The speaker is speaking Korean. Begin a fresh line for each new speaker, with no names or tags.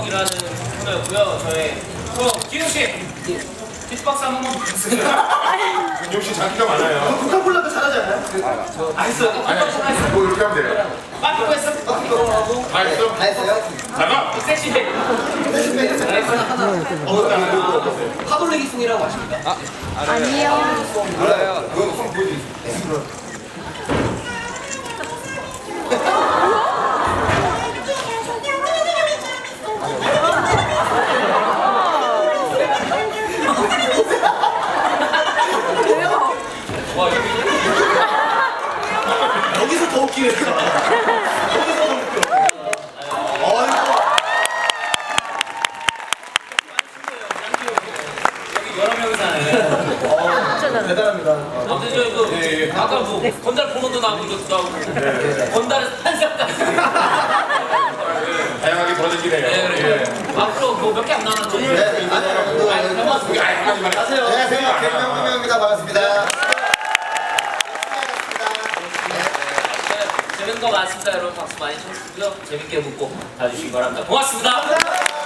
추억이라는 코너였고요. 저희 기웅 씨 비트박스 한 번만 부탁드려요.
역시 자기가 많아요.
코카콜라도 잘하지 않나요?
다 했어요.
뭐 이렇게 하면 돼요.
빠꾸고 했어. 빠꾸고 하고.
다 했어?
다 했어요?
잠깐.
섹시백.
파돌레기 송이라고 아십니까?
아니요.
몰라요. 그거 송 보여드릴게요.
와 여기.
여기서 더 웃기네. 여기서 더 웃겨.
여기 여러 명이잖아요.
대단합니다.
아무튼 저 이거 아까 뭐 건달 포로도 나오고 이것도 나오고 건달 한사까지.
다양하게 벌어지네요.
네, 그래. 앞으로 뭐 몇 개 안 남았죠?
네, 아니요.
안녕하세요.
안녕하세요. 개명구명입니다. 반갑습니다.
재밌는 거 많습니다. 여러분 박수 많이 쳐주시고요. 재밌게 묻고 봐주시기 바랍니다. 고맙습니다.